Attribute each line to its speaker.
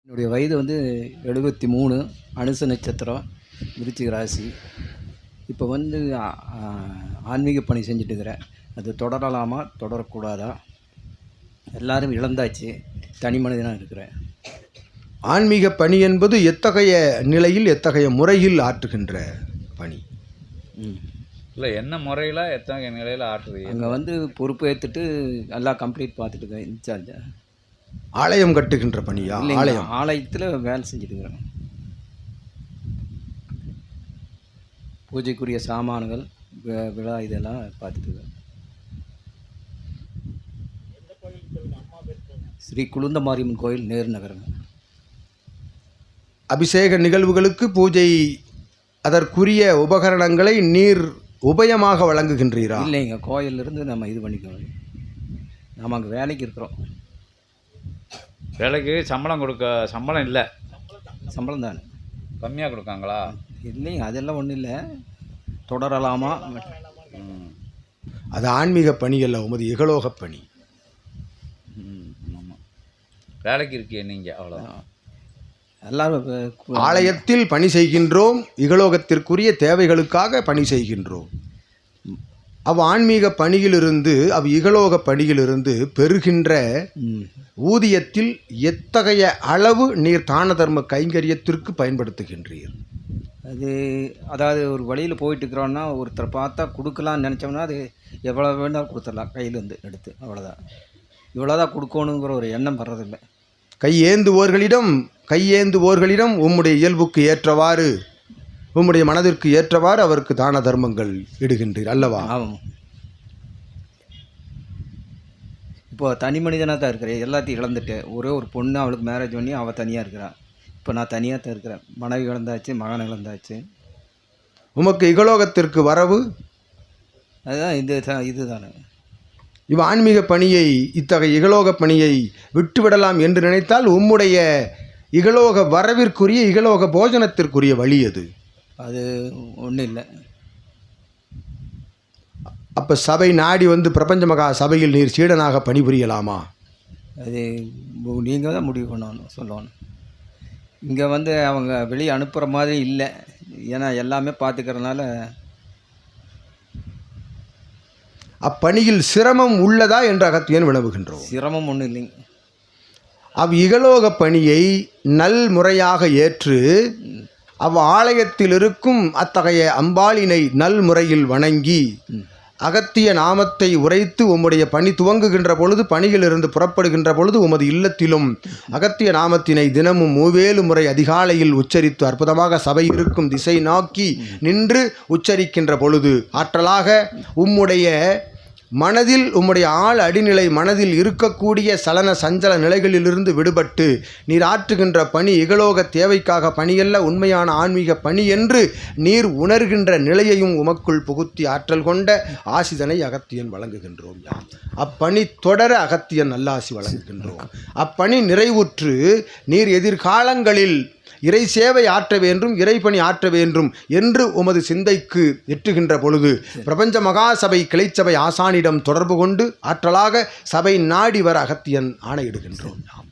Speaker 1: என்னுடைய வயது வந்து 73, அனுச நட்சத்திரம், விருச்சிக ராசி. இப்போ வந்து ஆன்மீக பணி செஞ்சுட்டுருக்கிறேன். அது தொடரலாமா தொடரக்கூடாதா? எல்லாரும் இழந்தாச்சு, தனி மனிதனாக இருக்கிறேன்.
Speaker 2: ஆன்மீக பணி என்பது எத்தகைய நிலையில் எத்தகைய முறையில் ஆற்றுகின்ற பணி?
Speaker 3: இல்லை, என்ன முறையில் எத்தகைய நிலையில் ஆற்றுது?
Speaker 1: அங்கே வந்து பொறுப்பு ஏற்றுட்டு எல்லாம் கம்ப்ளீட் பார்த்துட்டு இருக்கேன். இன்சார்ஜ்
Speaker 2: ஆலயம் கட்டுகின்ற பணியா?
Speaker 1: ஆலயத்தில் வேலை செஞ்சுட்டு இருக்கிறேன். பூஜைக்குரிய சாமான்கள், விழா இதெல்லாம் பார்த்துட்டு இருக்கேன். ஸ்ரீ குளுந்த மாரியம்மன் கோயில், நேரு நகரம்.
Speaker 2: அபிஷேக நிகழ்வுகளுக்கு பூஜை அதற்குரிய உபகரணங்களை நீர் உபயமாக வழங்குகின்றீரா?
Speaker 1: இல்லைங்க, கோயிலிருந்து நம்ம இது பண்ணிக்கோங்க. நாம் அங்கே வேலைக்கு இருக்கிறோம்.
Speaker 3: வேலைக்கு சம்பளம் இல்லை.
Speaker 1: சம்பளம் தானே
Speaker 3: கம்மியாக கொடுக்காங்களா?
Speaker 1: இல்லைங்க, அதெல்லாம் ஒன்றும் இல்லை. தொடரலாமா?
Speaker 2: அது ஆன்மீக பணி அல்ல, உமது இகலோக பணி.
Speaker 3: ஆமாம், வேலைக்கு இருக்கிய நீங்கள் அவ்வளோதான்.
Speaker 1: எல்லாரும்
Speaker 2: ஆலயத்தில் பணி செய்கின்றோம், இகலோகத்திற்குரிய தேவைகளுக்காக பணி செய்கின்றோம். ஆன்மீக பணியிலிருந்து இகலோக பணியிலிருந்து பெறுகின்ற ஊதியத்தில் எத்தகைய அளவு நீர் தான தர்ம கைங்கரியத்திற்கு பயன்படுத்துகின்றீர்?
Speaker 1: அதாவது ஒரு வழியில் போயிட்டு இருக்கிறோன்னா ஒருத்தரை பார்த்தா கொடுக்கலான்னு நினச்சோம்னா அது எவ்வளோ வேணாலும் கொடுத்துடலாம், கையிலேருந்து எடுத்து. அவ்வளோதான், இவ்வளோதான் கொடுக்கணுங்கிற ஒரு எண்ணம் வர்றதில்லை. கையேந்துவோர்களிடம் உம்முடைய இயல்புக்கு ஏற்றவாறு, உம்முடைய மனதிற்கு ஏற்றவாறு அவருக்கு தான தர்மங்கள் இடுகின்றீர் அல்லவா? ஆமாம். இப்போ தனி மனிதனாக தான் இருக்கிறேன். எல்லாத்தையும் இழந்துட்டு, ஒரே ஒரு பொண்ணு, அவளுக்கு மேரேஜ் பண்ணி அவள் தனியாக இருக்கிறாள். இப்போ நான் தனியாக தான் இருக்கிறேன். மனைவி இழந்தாச்சு, மகன் இழந்தாச்சு.
Speaker 2: உமக்கு இகலோகத்திற்கு வரவு
Speaker 1: அதுதான் இதுதானே.
Speaker 2: ஆன்மீக பணியை, இத்தகைய இகலோக பணியை விட்டுவிடலாம் என்று நினைத்தால் உம்முடைய இகலோக வரவிற்குரிய, இகலோக போஜனத்திற்குரிய வழி
Speaker 1: அது ஒன்றும் இல்லை.
Speaker 2: அப்போ சபை நாடி வந்து பிரபஞ்ச மகா சபையில் நீர் சீடனாக பணிபுரியலாமா?
Speaker 1: அது நீங்கள் தான் முடிவு சொல்லணும். இங்கே வந்து அவங்க வெளியே அனுப்புகிற மாதிரி இல்லை. ஏன்னா எல்லாமே பார்த்துக்கிறதுனால.
Speaker 2: அப்பணியில் சிரமம் உள்ளதா என்று அகத்தியன் வினவுகின்றோம்.
Speaker 1: சிரமம் ஒன்றும் இல்லைங்க.
Speaker 2: இகலோக பணியை நல் முறையாக ஏற்று ஆலயத்தில் இருக்கும் அத்தகைய அம்பாளினை நல் முறையில் வணங்கி அகத்திய நாமத்தை உரைத்து உம்முடைய பணி துவங்குகின்ற பொழுது, பணியிலிருந்து புறப்படுகின்ற பொழுது உமது இல்லத்திலும் அகத்திய நாமத்தினை தினமும் 3 முறை அதிகாலையில் உச்சரித்து அற்புதமாக சபை இருக்கும் திசை நோக்கி நின்று உச்சரிக்கின்ற பொழுது ஆற்றலாக உம்முடைய மனதில், உம்முடைய ஆள் அடிநிலை மனதில் இருக்கக்கூடிய சலன சஞ்சல நிலைகளிலிருந்து விடுபட்டு நீர் ஆற்றுகின்ற பணி இகலோக தேவைக்காக பணியல்ல, உண்மையான ஆன்மீக பணி என்று நீர் உணர்கின்ற நிலையையும் உமக்குள் புகுத்தி ஆற்றல் கொண்ட ஆசிதனை அகத்தியன் வழங்குகின்றோம். அப்பணி தொடர அகத்தியன் நல்லாசி வழங்குகின்றோம். அப்பணி நிறைவுற்று நீர் எதிர்காலங்களில் இறை சேவை ஆற்ற வேண்டும், இறைப்பணி ஆற்ற வேண்டும் என்று உமது சிந்தைக்கு எட்டுகின்ற பொழுது பிரபஞ்ச மகாசபை கிளைச்சபை ஆசானிடம் தொடர்பு கொண்டு ஆற்றலாக சபை நாடி வர அகத்தியன் ஆணையிடுகின்றோம்.